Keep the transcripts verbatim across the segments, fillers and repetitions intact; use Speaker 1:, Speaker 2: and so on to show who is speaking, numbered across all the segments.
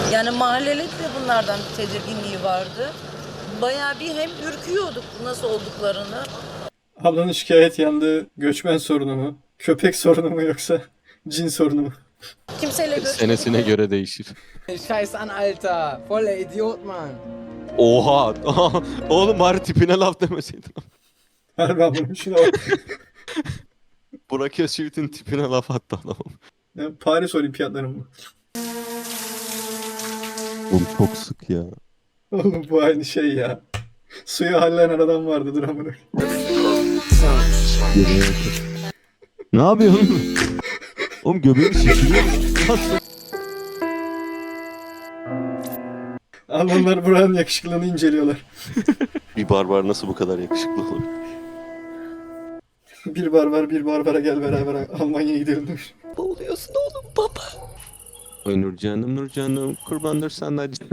Speaker 1: Yani mahalleli de bunlardan bir tedirginliği vardı. Bayağı bir hem ürküyorduk nasıl olduklarını.
Speaker 2: Ablanın şikayet yandığı göçmen sorunu mu? Köpek sorunu mu yoksa cin sorunu mu?
Speaker 1: Kimseyle görüşmedik.
Speaker 3: Senesine göre değişir.
Speaker 4: Scheiß an, Alter. Voller Idiot, Mann.
Speaker 3: Oha! Oğlum bari tipine laf demeseydin.
Speaker 2: Harbi ablanın şuna bak.
Speaker 3: Burak Özçivit'in tipine laf attı adamım.
Speaker 2: Ya, Paris Olimpiyatları mı?
Speaker 3: Oğlum çok sık ya.
Speaker 2: Oğlum bu aynı şey ya. Suya hallenen adam vardı dur amına.
Speaker 3: Ne yapıyorsun? Oğlum göbeğini şişiriyor musun?
Speaker 2: Almanlar buranın yakışıklılığını inceliyorlar.
Speaker 3: Bir barbar nasıl bu kadar yakışıklı olur?
Speaker 2: Bir barbar bir barbara gel beraber Almanya'ya gidelim demiş.
Speaker 1: Boğuluyorsun oğlum baba.
Speaker 3: Ay Nurcanım Nurcanım kurbandır senden canım.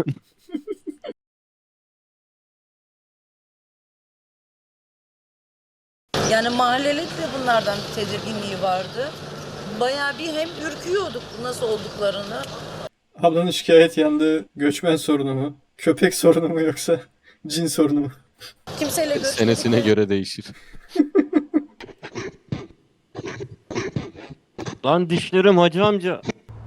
Speaker 1: Yani mahalleli de bunlardan bir tedirginliği vardı. Bayağı bir hem ürküyorduk nasıl olduklarını.
Speaker 2: Ablanın şikayet yandığı göçmen sorunu mu? Köpek sorunu mu yoksa cin sorunu mu?
Speaker 1: Kimseyle görüşmedik.
Speaker 3: Senesine göre değişir. Lan dişlerim hacı amca.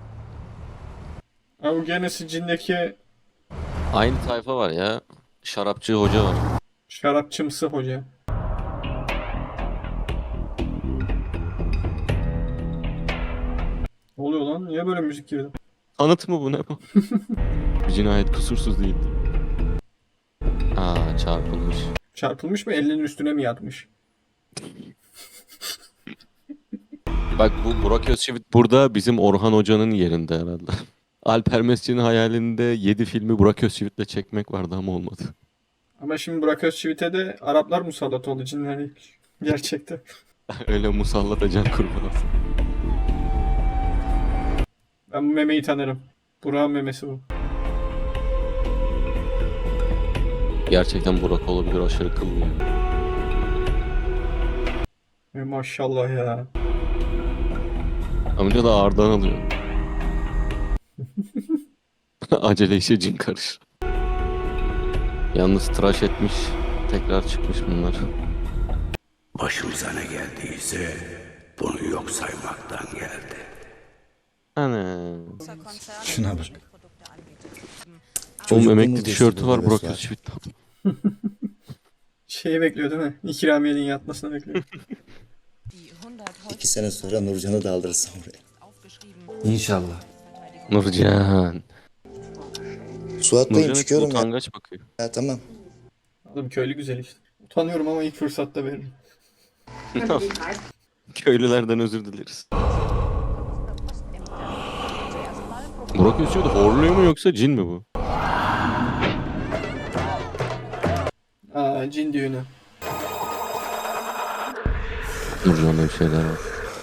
Speaker 2: Abi genesi cindeki
Speaker 3: Aynı tayfa var ya. Şarapçı hoca var.
Speaker 2: şarapçımsı hoca. Ne oluyor lan? Niye böyle müzik girdi?
Speaker 3: Anıt mı bu ne bu? Bir cinayet kusursuz değildi. Aa çarpılmış.
Speaker 2: Çarpılmış mı? Elinin üstüne mi yatmış?
Speaker 3: Bak bu Burak Özçivit burada bizim Orhan Hoca'nın yerinde herhalde. Alper Mescid'in hayalinde yedi filmi Burak Özçivit'le çekmek vardı ama olmadı.
Speaker 2: Ama şimdi Burak Özçivit'e de Araplar musallat oldu cinler değil. Gerçekten.
Speaker 3: Öyle musallat can kurban olsun.
Speaker 2: Ben bu memeyi tanırım. Burak'ın memesi bu.
Speaker 3: Gerçekten Burak olabilir aşırı kıllı.
Speaker 2: E, maşallah ya.
Speaker 3: Amca da ağırdan alıyor. Acele işe cin karışır. Yalnız tıraş etmiş. Tekrar çıkmış bunlar.
Speaker 5: Başımıza ne geldiyse bunu yok saymaktan geldi.
Speaker 3: Ana.
Speaker 6: Şuna bak.
Speaker 3: Oğlum emekli
Speaker 6: Çocukluğumuz
Speaker 3: tişörtü
Speaker 6: geçti
Speaker 3: var
Speaker 6: burada
Speaker 3: Burak
Speaker 6: resmen.
Speaker 3: Özçivit'ten.
Speaker 2: Şeyi bekliyor değil mi? İkramiyenin yatmasını bekliyor.
Speaker 6: İki sene sonra Nurcan'ı da alırız oraya.
Speaker 4: İnşallah.
Speaker 3: Nurcan.
Speaker 6: Suat'tayım
Speaker 3: Nurcan hep
Speaker 6: çıkıyorum ya.
Speaker 3: utangaç bakıyor.
Speaker 6: Ya tamam.
Speaker 2: Oğlum köylü güzel işte. Utanıyorum ama ilk fırsatta veririm.
Speaker 3: Köylülerden özür dileriz. Burak Özçivit horluyor mu yoksa cin mi bu?
Speaker 2: Aa cin düğünü.
Speaker 3: Nurcan'da bir şeyler var.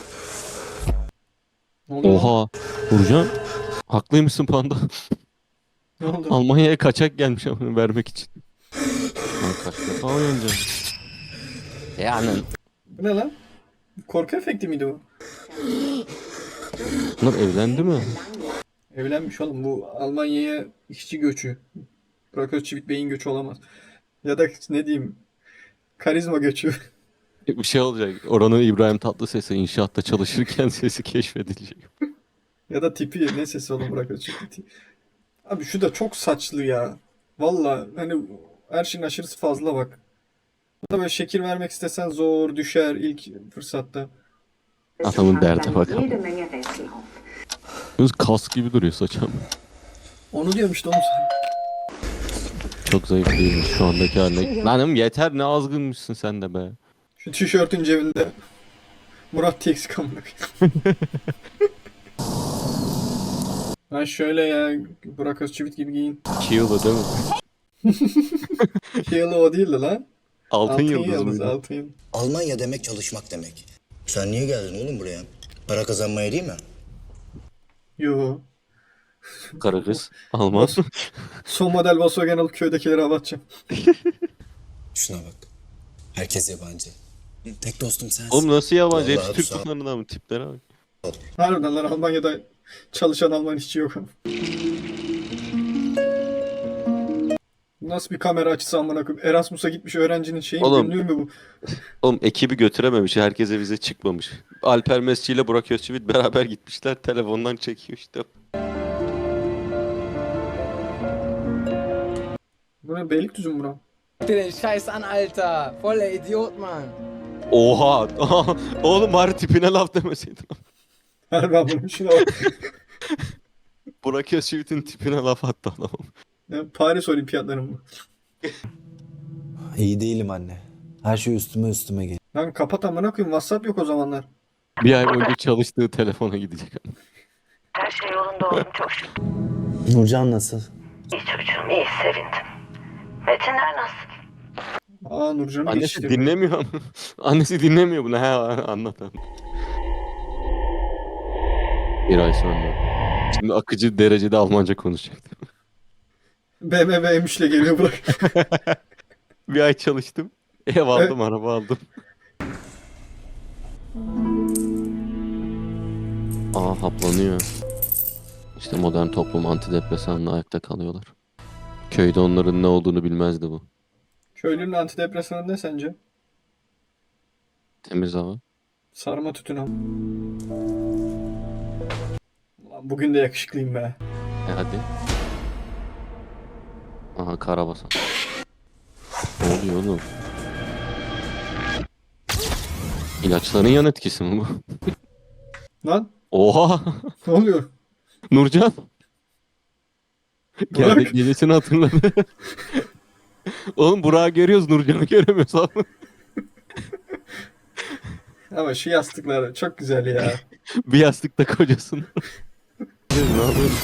Speaker 2: Ne oluyor? lan?
Speaker 3: Oha. Nurcan. Haklıymışsın panda.
Speaker 2: Ne oldu?
Speaker 3: Almanya'ya kaçak gelmiş ama vermek için. Lan kaç defa oynayacağım. Yani.
Speaker 2: Bu ne lan? Korku efekti miydi bu?
Speaker 3: Bunlar evlendi mi?
Speaker 2: Evlenmiş oğlum. Bu Almanya'ya işçi göçü. Burak Özçivit beyin göçü olamaz. Ya da ne diyeyim? Karizma göçü.
Speaker 3: Bir şey olacak. Oranın İbrahim Tatlıses'i inşaatta çalışırken sesi keşfedilecek.
Speaker 2: Ya da tipi. Ne sesi oğlum Burak Özçivit. Abi şu da çok saçlı ya. Valla hani her şeyin aşırısı fazla bak. Buna böyle şekil vermek istesen zor düşer ilk fırsatta.
Speaker 3: Adamın derde bak.
Speaker 7: Jede Menge Rätsel auf.
Speaker 3: Yalnız kas gibi duruyor saçam.
Speaker 2: Onu diyorum işte onu.
Speaker 3: Çok zayıf değilmiş şu andaki haline. Lanım yeter ne azgınmışsın sen de be.
Speaker 2: Şu tişörtün cebinde Murat T X kamera. Ha şöyle ya Burak Özçivit gibi giyin.
Speaker 3: Kiyo'da değil mi?
Speaker 2: Yılı o değildi lan.
Speaker 3: Altın, yıldız
Speaker 2: yıldız,
Speaker 3: mıydı?
Speaker 2: altın yıldız.
Speaker 6: Almanya demek çalışmak demek. Sen niye geldin oğlum buraya? Para kazanmaya değil mi?
Speaker 2: Yo.
Speaker 3: Kara kız. Alman.
Speaker 2: Son model Volkswagen alıp köydekileri hava atacağım.
Speaker 6: Şuna bak. Herkes yabancı. Tek dostum sensin.
Speaker 3: Oğlum nasıl yabancı?
Speaker 6: Vallahi
Speaker 3: Hepsi Türk
Speaker 6: sağ ol.
Speaker 3: bunların mı? Tiplere bak.
Speaker 2: Harbiden lan Almanya'da çalışan Alman işçi yok. Nasıl bir kamera açısı amına koyayım? Erasmus'a gitmiş öğrencinin şeyi
Speaker 3: Oğlum.
Speaker 2: günlüğü mü bu?
Speaker 3: Oğlum ekibi götürememiş. Herkese vize çıkmamış. Alper Mesci ile Burak Özçivit beraber gitmişler. Telefondan çekiyor işte.
Speaker 2: Bu ne Beylikdüzü mü bura?
Speaker 4: Guck dir den Scheiß an, Alter. Voller Idiot, Mann.
Speaker 3: Oha! Oğlum bari tipine laf demeseydin.
Speaker 2: Harbi amına şuna bak.
Speaker 3: Burak Özçivit'in tipine laf attı adam.
Speaker 2: Ya, Paris Olimpiyatları mı?
Speaker 7: İyi değilim anne. Her şey üstüme üstüme geliyor.
Speaker 2: Lan kapat amına koyayım, WhatsApp yok o zamanlar.
Speaker 3: Bir ay boyunca çalıştığı telefona gidecek.
Speaker 8: Her şey yolunda oğlum, çok şükür.
Speaker 7: Nurcan nasıl?
Speaker 8: İyi çocuğum, iyi, sevindim. Metinler nasıl?
Speaker 2: Aa Nurcan'ı
Speaker 3: Annesi
Speaker 2: geçti.
Speaker 3: dinlemiyor. Annesi dinlemiyor bunu. He anlat anlat. Bir ay sonra. Şimdi akıcı derecede Almanca konuşacaktım.
Speaker 2: B M W M üç'le geliyor bırak.
Speaker 3: Bir ay çalıştım. Ev aldım, araba aldım. Aa haplanıyor. İşte modern toplum antidepresanla ayakta kalıyorlar. Köyde onların ne olduğunu bilmezdi bu.
Speaker 2: Köylünün antidepresanı ne sence?
Speaker 3: Temiz hava.
Speaker 2: Sarma tütün al. Ulan bugün de yakışıklıyım be.
Speaker 3: E hadi. Aha karabasan. Ne oluyor oğlum? İlaçların yan etkisi mi bu?
Speaker 2: Lan
Speaker 3: Oha!
Speaker 2: ne oluyor?
Speaker 3: Nurcan!
Speaker 2: Burak.
Speaker 3: Geldi gecesini hatırladı. Oğlum Burak'ı görüyoruz, Nurcan'ı göremiyoruz abi.
Speaker 2: Ama şu yastıklar çok güzel ya.
Speaker 3: Bir yastıkta kocasın. Ne yapıyorsun?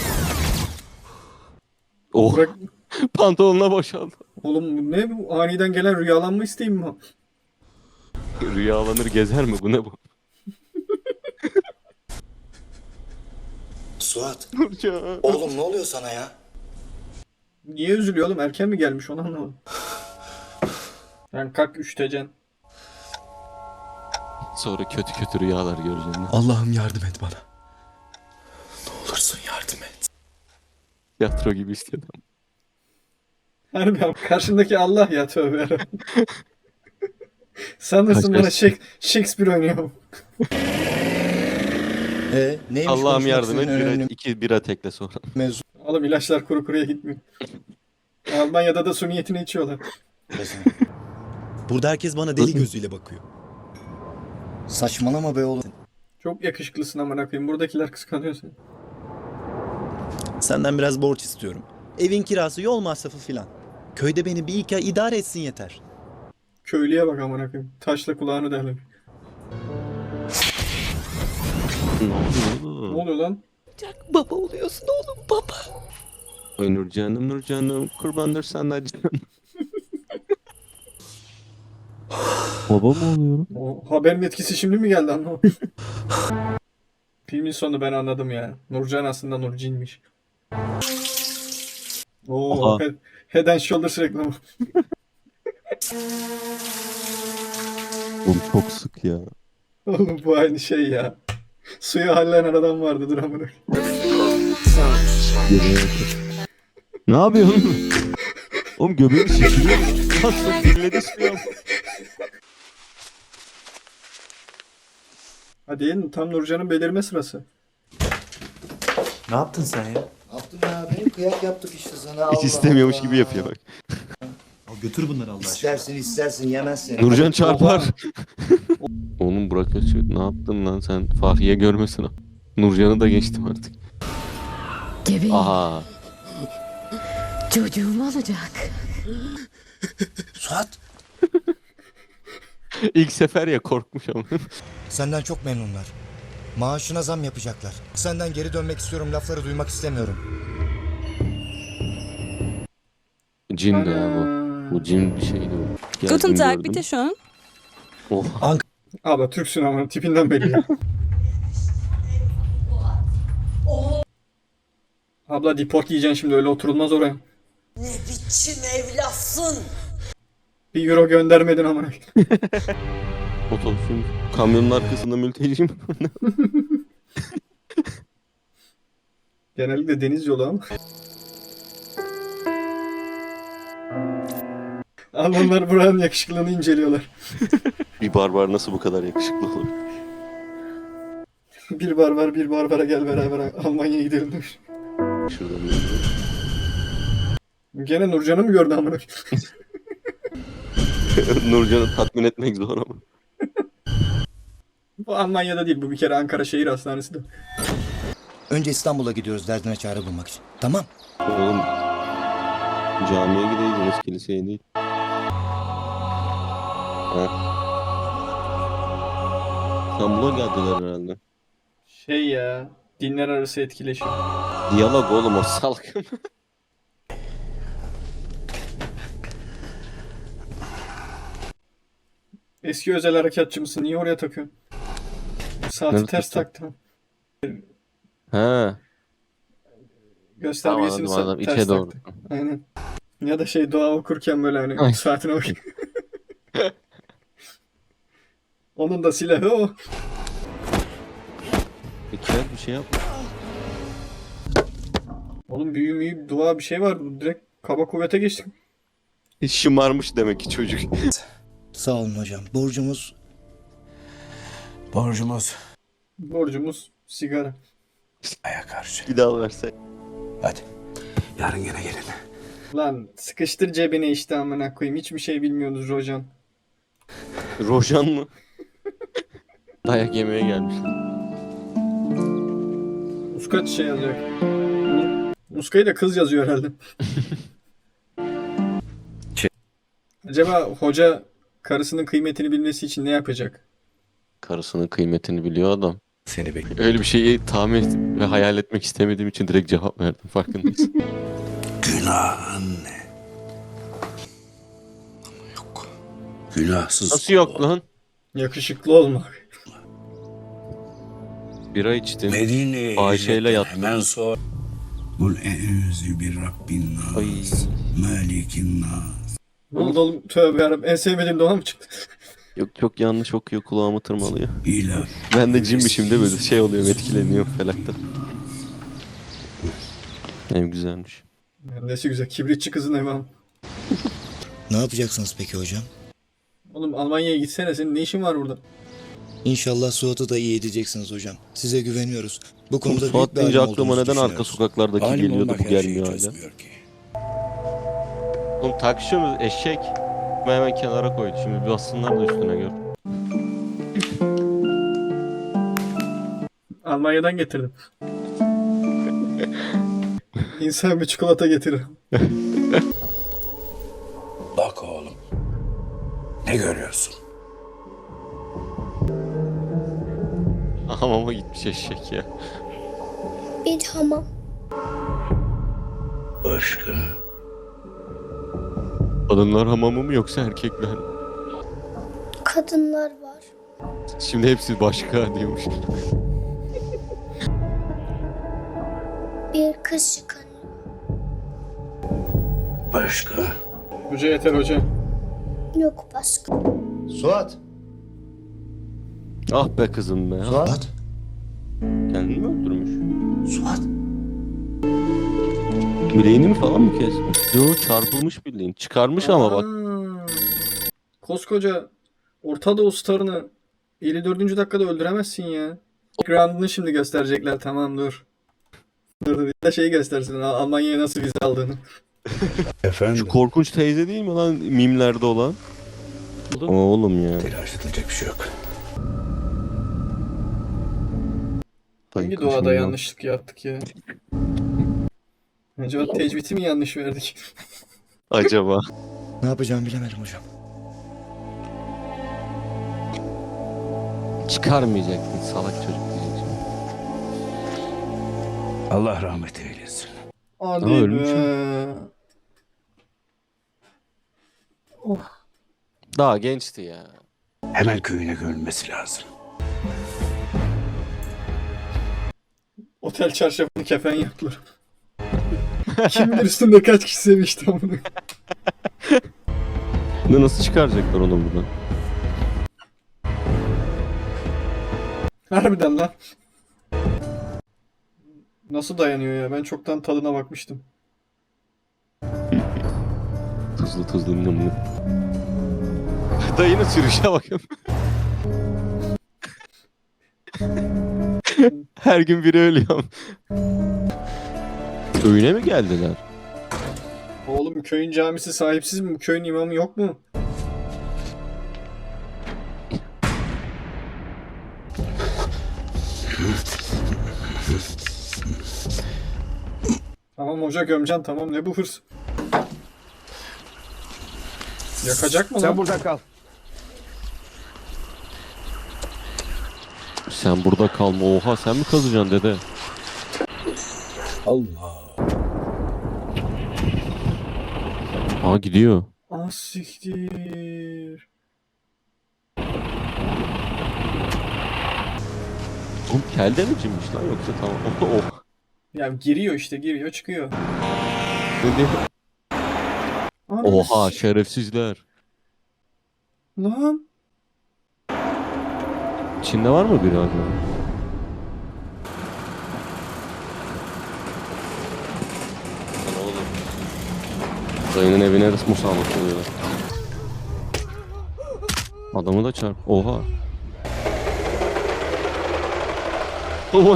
Speaker 3: Oh,
Speaker 2: Burak,
Speaker 3: pantolonuna boşaldı.
Speaker 2: oğlum bu ne bu? Aniden gelen rüyalanma isteğim mi?
Speaker 3: Rüyalanır gezer mi? Bu ne bu?
Speaker 6: Suat,
Speaker 3: Nurcan.
Speaker 6: oğlum ne oluyor sana ya?
Speaker 2: Niye üzülüyor oğlum? Erken mi gelmiş onu anlamadım. Yani kalk üşüteceksin.
Speaker 3: Sonra kötü kötü rüyalar göreceğim.
Speaker 7: Allah'ım yardım et bana. Ne olursun yardım et.
Speaker 3: Tiyatro gibi istedim.
Speaker 2: Harbi abi, karşındaki Allah ya, tövbe yarabbim. Sanırsın
Speaker 3: Kaç
Speaker 2: bana
Speaker 3: yaş-
Speaker 2: Shak- Shakespeare oynuyor.
Speaker 6: Ee, neymiş
Speaker 3: Allah'ım
Speaker 6: konuşmak
Speaker 3: yardım et.
Speaker 6: istediğin
Speaker 3: Bira,
Speaker 6: önemli
Speaker 3: iki bira tekle sonra.
Speaker 6: mevzu?
Speaker 2: Oğlum ilaçlar kuru kuruya gitmiyor. Almanya'da da su niyetine içiyorlar.
Speaker 7: Burada herkes bana deli gözüyle bakıyor.
Speaker 6: Saçmalama be oğlum.
Speaker 2: Çok yakışıklısın amına koyayım. Buradakiler kıskanıyor seni.
Speaker 7: Senden biraz borç istiyorum. Evin kirası, yol masrafı filan. Köyde beni bir iki ay idare etsin yeter.
Speaker 2: Köylüye bak amına koyayım. Taşla kulağını derler.
Speaker 3: Ne
Speaker 2: Ne
Speaker 3: oluyor?
Speaker 2: oluyor lan?
Speaker 8: Baba oluyorsun oğlum, baba.
Speaker 3: Ay Nurcan'ım Nurcan'ım kurbandır senden canım. Baba mı oluyorum?
Speaker 2: O haberin etkisi şimdi mi geldi anlamadım. Filmin sonu ben anladım ya. Nurcan aslında Nurcin'miş. Oo,
Speaker 3: Aha.
Speaker 2: he- Head and Shoulders reklamı.
Speaker 3: Oğlum çok sık ya.
Speaker 2: Oğlum bu aynı şey ya. Suyu halleden adam vardı, dur amına.
Speaker 3: Ne yapıyorsun? Oğlum göbeğim şişiriyor. Nasıl dinledi suyu?
Speaker 2: Hadi yiyin, tam Nurcan'ın belirme sırası.
Speaker 7: Ne yaptın sen ya?
Speaker 6: Ne yaptın ya? Benim kıyak yaptık işte sana.
Speaker 3: Hiç
Speaker 6: Allah
Speaker 3: istemiyormuş
Speaker 6: Allah.
Speaker 3: gibi yapıyor bak.
Speaker 7: Al götür bunları Allah aşkına.
Speaker 6: İstersin istersin yemezsin.
Speaker 3: Nurcan çarpar. Oğlum Burak Özçivit ne yaptın lan sen? Fahriye görmesin. Nurcan'ı da geçtim artık.
Speaker 8: Gebeğim,
Speaker 3: Aha.
Speaker 8: çocuğum olacak.
Speaker 6: Suat,
Speaker 3: İlk sefer ya korkmuş ama.
Speaker 6: senden çok memnunlar. Maaşına zam yapacaklar. Senden geri dönmek istiyorum lafları duymak istemiyorum.
Speaker 3: Cin de ya bu. Bu cin bir şeydi o. Geldim,
Speaker 9: Guten Tag,
Speaker 3: gördüm.
Speaker 9: bitte schön.
Speaker 3: Oh.
Speaker 2: Abla Türksün ama tipinden belli ya. Abla deport yiyeceksin şimdi, öyle oturulmaz oraya.
Speaker 8: Ne biçim evlatsın?
Speaker 2: Bir euro göndermedin amına.
Speaker 3: Otobüsün kamyonun arkasında mülteciyim.
Speaker 2: Genellikle deniz yolu ama. Almanlar buranın yakışıklılığını inceliyorlar.
Speaker 3: Bir barbar nasıl bu kadar yakışıklı olur?
Speaker 2: Bir barbar bir barbara gel beraber Almanya'ya gidelim demiş.
Speaker 3: Şuradan bir-
Speaker 2: Gene Nurcan'ı mı gördü amına?
Speaker 3: Nurcan'ı tatmin etmek zor ama.
Speaker 2: Bu Almanya'da değil, bu bir kere Ankara Şehir Hastanesi'de.
Speaker 6: Önce İstanbul'a gidiyoruz derdine çare bulmak için. Tamam.
Speaker 3: Oğlum camiye gideydiniz, kiliseye değil. Ha. İstanbul'a geldiler herhalde.
Speaker 2: Şey ya, dinler arası etkileşim.
Speaker 3: Diyalog oğlum o salkım.
Speaker 2: Eski özel harekatçı mısın? Niye oraya takıyorsun? Saati
Speaker 3: Nerede
Speaker 2: ters
Speaker 3: takacağım?
Speaker 2: taktım.
Speaker 3: Ha.
Speaker 2: Göstergesini
Speaker 3: Tamam, anladım,
Speaker 2: sa-
Speaker 3: içe
Speaker 2: ters
Speaker 3: doğru.
Speaker 2: taktım. Aynen. Ya da şey dua okurken böyle hani
Speaker 3: Ay.
Speaker 2: saatine bak. Onun da silahı o.
Speaker 3: Peki bir şey yapma.
Speaker 2: Oğlum büyü müyü dua bir şey var. Direkt kaba kuvvete geçtik.
Speaker 3: Şımarmış demek ki çocuk.
Speaker 6: Sağ olun hocam. Borcumuz
Speaker 5: Borcumuz
Speaker 2: Borcumuz sigara.
Speaker 5: aya karşı.
Speaker 3: Bir daha verse.
Speaker 5: Hadi. Yarın yine gelin.
Speaker 2: Lan sıkıştır cebine işte amına koyayım. Hiçbir şey bilmiyorsunuz Rojan.
Speaker 3: Rojan mı? Dayak yemeye gelmiş.
Speaker 2: Muskaç şey yazıyor. Muskayı da kız yazıyor herhalde. Acaba hoca karısının kıymetini bilmesi için ne yapacak?
Speaker 3: Karısının kıymetini biliyor adam.
Speaker 5: Seni bekliyorum.
Speaker 3: Öyle bir şeyi tahmin ve hayal etmek istemediğim için direkt cevap verdim, farkındayız.
Speaker 5: Günah anne. Ama yok. Günahsız.
Speaker 3: Nasıl yok lan?
Speaker 2: Yakışıklı olmak.
Speaker 3: Bira içtin.
Speaker 5: Medine'ye
Speaker 3: Ayşe'yle
Speaker 5: hicretten
Speaker 3: yattın.
Speaker 5: Hemen sonra. Kul e'ûzü bir Rabbin nas.
Speaker 3: Ay.
Speaker 5: Malikin nas.
Speaker 2: Ne oldu oğlum? Tövbe yarabbim. En sevmediğim doğa mı çıktı?
Speaker 3: Yok çok yanlış okuyor, kulağımı tırmalıyor.
Speaker 5: İlah.
Speaker 3: Ben de cimmişim de böyle şey oluyorum, etkileniyorum felakta. En güzelmiş.
Speaker 2: Nesi güzel. Kibritçi kızın evi ama.
Speaker 6: ne yapacaksınız peki hocam?
Speaker 2: Oğlum Almanya'ya gitsene. Senin ne işin var burada?
Speaker 6: İnşallah Suat'ı da iyi edeceksiniz hocam. Size güveniyoruz. Bu konuda büyük
Speaker 3: Suat
Speaker 6: bir
Speaker 3: deyince
Speaker 6: alim
Speaker 3: aklıma
Speaker 6: olduğunuzu
Speaker 3: neden arka
Speaker 6: düşünüyoruz.
Speaker 3: sokaklardaki
Speaker 5: Alim
Speaker 3: geliyordu,
Speaker 5: olmak
Speaker 3: bu
Speaker 5: her şeyi
Speaker 3: gelmiyor hala.
Speaker 5: çözmüyor ki.
Speaker 3: Oğlum takışıyorsunuz eşek. Ben hemen kenara koydu. Şimdi bassınlar da üstüne gör.
Speaker 2: Almanya'dan getirdim. İnsan bir çikolata getirir.
Speaker 5: Bak oğlum. Ne görüyorsun?
Speaker 3: Hamama gitmiş eşek ya.
Speaker 9: Bir hamam.
Speaker 5: Başka.
Speaker 3: Kadınlar hamamı mı yoksa erkekler mi?
Speaker 9: Kadınlar var.
Speaker 3: Şimdi hepsi başka diyormuş.
Speaker 9: Bir kız çıkanıyor.
Speaker 5: Başka.
Speaker 2: Hoca yeter hoca.
Speaker 9: Yok başka.
Speaker 6: Suat!
Speaker 3: Ah be kızım be.
Speaker 6: Suat!
Speaker 3: Kendini mi öldürmüş?
Speaker 6: Suat!
Speaker 3: Bileğini mi falan mı kesmiş? Yo, çarpılmış bildiğin. Çıkarmış ama bak.
Speaker 2: Aa, koskoca Orta Doğu starını elli dördüncü dakikada öldüremezsin ya. Ground'unu şimdi gösterecekler, tamam dur. Dur dur, bir de şeyi göstersin, Al- Almanya'ya nasıl vize aldığını.
Speaker 5: Efendim.
Speaker 3: Şu korkunç teyze değil mi lan mimlerde olan? Oğlum ya.
Speaker 5: Telaş edilecek bir şey yok.
Speaker 2: Hangi
Speaker 3: Kaşınıyor.
Speaker 2: doğada yanlışlık yaptık ya? Acaba tecviti mi yanlış verdik?
Speaker 3: Acaba.
Speaker 6: Ne yapacağımı bilemedim hocam.
Speaker 3: Çıkarmayacaktın salak çocuk diyeceksin.
Speaker 5: Allah rahmet eylesin.
Speaker 2: Hadi
Speaker 3: Ama ölmüş
Speaker 2: be.
Speaker 3: Daha gençti ya.
Speaker 5: Hemen köyüne gömülmesi lazım.
Speaker 2: Otel çarşafını kefen yaptılar. Kim bilir üstünde kaç kişi sevmişti amına.
Speaker 3: Ne nasıl çıkaracaklar onu buradan?
Speaker 2: Harbiden lan. Nasıl dayanıyor ya? Ben çoktan tadına bakmıştım.
Speaker 3: tuzlu tuzlu nım nım. Dayının sürüşe bakın. Her gün biri ölüyor. Köyüne mi geldiler?
Speaker 2: Oğlum köyün camisi sahipsiz mi? Bu köyün imamı yok mu? Tamam hoca gömcan tamam ne bu hırs? Yakacak mı
Speaker 4: Sen
Speaker 2: lan?
Speaker 4: burada kal.
Speaker 3: Sen burada kalma. Oha sen mi kazacaksın dede?
Speaker 5: Allah.
Speaker 3: Aa gidiyor.
Speaker 2: Ah siktir.
Speaker 3: Oğlum kelde mi cinmiş lan yoksa tamam. Oh.
Speaker 2: Ya giriyor işte giriyor çıkıyor.
Speaker 3: Dedi.
Speaker 2: Ananı
Speaker 3: Oha
Speaker 2: s-
Speaker 3: şerefsizler.
Speaker 2: Lan.
Speaker 3: Çin'de var mı biri acaba? Lan oğlum. Dayının evine musallat oluyorlar. Adamı da çarp. Oha. Oha.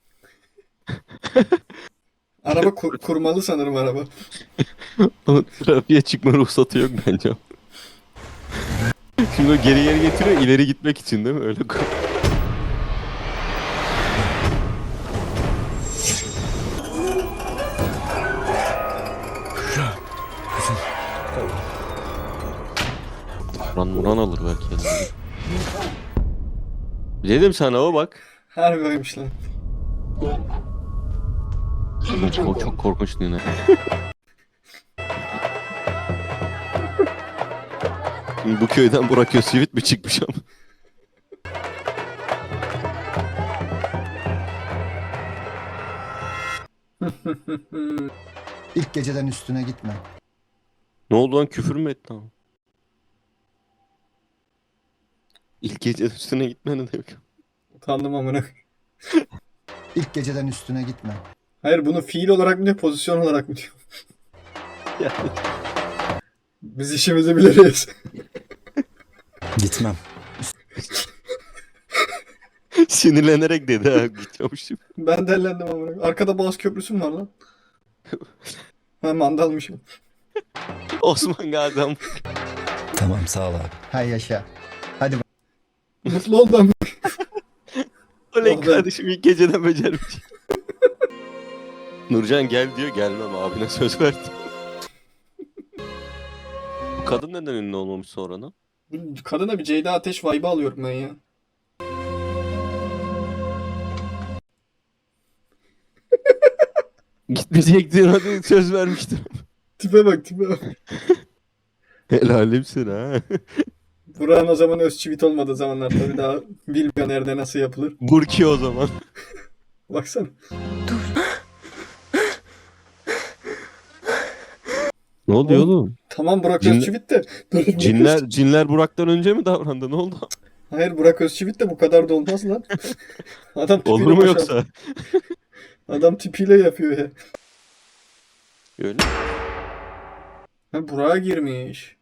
Speaker 2: Araba kur- kurmalı sanırım araba.
Speaker 3: Onun trafiğe çıkma ruhsatı yok bence. Şimdi o geri geri getiriyor ileri gitmek için değil mi? Öyle koy. Muran Muran alır belki. elinde. Dedim sana o bak.
Speaker 2: Harbi oymuş lan.
Speaker 3: Çok, çok korkunç yine. Bu köyden Burak Özçivit mi çıkmış ama?
Speaker 6: İlk geceden üstüne gitme.
Speaker 3: Ne oldu lan küfür mü etti ama? İlk gece üstüne gitme ne demek?
Speaker 2: Utandım amına.
Speaker 6: İlk geceden üstüne gitme.
Speaker 2: Hayır bunu fiil olarak mı diyor pozisyon olarak mı diyor?
Speaker 3: Yani.
Speaker 2: Biz işimizi biliriz.
Speaker 6: Gitmem.
Speaker 3: Sinirlenerek dedi ha gitmemişim.
Speaker 2: Ben dellendim amına. Arkada Boğaz Köprüsü mü var lan? Ha mandalmışım.
Speaker 3: Osman Gazi ama.
Speaker 6: Tamam sağ ol abi. Hay yaşa. Hadi
Speaker 2: Mutlu oldum.
Speaker 3: Oley
Speaker 2: Oh be.
Speaker 3: kardeşim ilk geceden becermiş. Nurcan gel diyor gelmem abine söz verdi. Bu kadın neden ünlü olmamış sonradan?
Speaker 2: Kadına bir Ceyda Ateş vibe'ı alıyorum ben ya.
Speaker 3: Gitmeyecektin hadi söz vermiştim.
Speaker 2: Tipe bak tipe bak.
Speaker 3: Helalimsin ha.
Speaker 2: Burak'ın o zaman Özçivit olmadığı zamanlar tabii daha bilmiyor nerede nasıl yapılır.
Speaker 3: Burki o zaman.
Speaker 2: Baksana.
Speaker 3: Ne oluyor oğlum?
Speaker 2: Tamam Burak
Speaker 3: Cin-
Speaker 2: Özçivit de. Dur, Burak
Speaker 3: Cinler
Speaker 2: Özçivit-
Speaker 3: cinler Burak'tan önce mi davrandı? Ne oldu?
Speaker 2: Hayır Burak Özçivit de bu kadar da olmaz lan. Adam tipiyle
Speaker 3: Olur mu
Speaker 2: boşan-
Speaker 3: yoksa?
Speaker 2: Adam tipiyle yapıyor ya.
Speaker 3: Öyle.
Speaker 2: Ha Burak'a girmiş.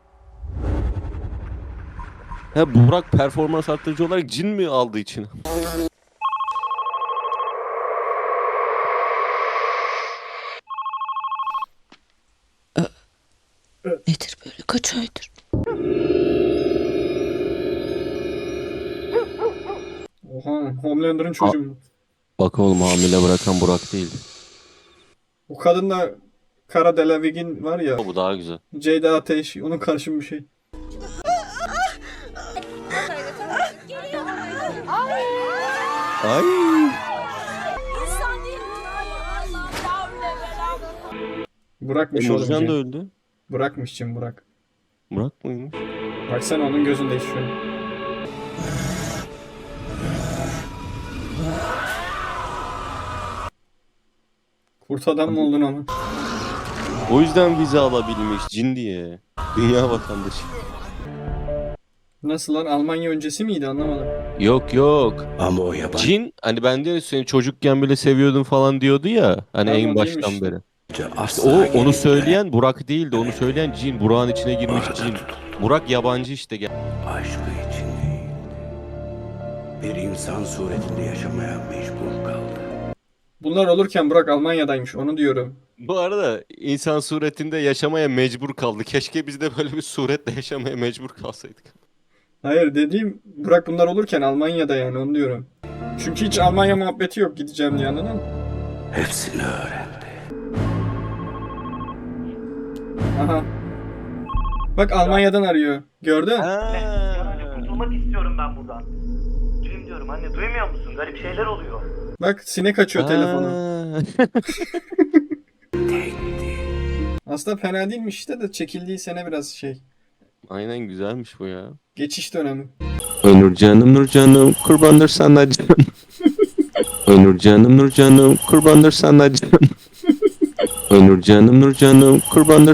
Speaker 3: Ha Burak performans arttırıcı olarak cin mi aldı içine?
Speaker 1: Nedir böyle kaç aydır?
Speaker 2: Oha Homelander'ın çocuğu mu?
Speaker 3: Bak oğlum hamile bırakan Burak değil.
Speaker 2: O kadınla Kara Delavig'in var ya.
Speaker 3: Bu daha güzel.
Speaker 2: Ceyda Ateş onun karşım bir şey.
Speaker 3: Ay.
Speaker 2: Burak'mış oğlum.
Speaker 3: Nurcan da
Speaker 2: Cem.
Speaker 3: öldü.
Speaker 2: Burak'mış Cem Burak.
Speaker 3: Burak mıymış?
Speaker 2: Baksana onun gözünde şu an. Kurt adam mı oldun ama?
Speaker 3: O yüzden vize alabilmiş cin diye. Dünya vatandaşı.
Speaker 2: Nasıl lan Almanya öncesi miydi anlamadım.
Speaker 3: Yok yok.
Speaker 5: Ama o yabancı.
Speaker 3: Cin hani ben de seni çocukken bile seviyordum falan diyordu ya. Hani
Speaker 2: Tamam,
Speaker 3: en
Speaker 2: o
Speaker 3: baştan
Speaker 2: değilmiş.
Speaker 3: beri. O onu söyleyen Burak değildi. Onu söyleyen cin. Burak'ın içine girmiş cin. Burak yabancı işte. Gel-
Speaker 5: Aşkı için değil. Bir insan suretinde yaşamaya mecbur kaldı.
Speaker 2: Bunlar olurken Burak Almanya'daymış, onu diyorum.
Speaker 3: Bu arada insan suretinde yaşamaya mecbur kaldı. Keşke biz de böyle bir suretle yaşamaya mecbur kalsaydık.
Speaker 2: Hayır, dediğim Burak bunlar olurken Almanya'da, yani onu diyorum. Çünkü hiç Almanya muhabbeti yok gideceğim diye, anladın mı?
Speaker 5: Hepsini öğrendi.
Speaker 2: Aha. Bak Almanya'dan arıyor. Gördün?
Speaker 10: Kurtulmak istiyorum ben buradan. Duyum diyorum anne, duymuyor musun? Garip şeyler oluyor.
Speaker 2: Bak sinek açıyor telefonu.
Speaker 3: Aa.
Speaker 2: Aslında fena değilmiş işte de çekildiği sene biraz şey.
Speaker 3: Aynen, güzelmiş bu ya.
Speaker 2: Geçiş dönemi.
Speaker 3: Onur canım Nur canım kurbandır sana canım. Onur canım Nur canım kurbandır sana canım. Onur canım Nur canım kurbandır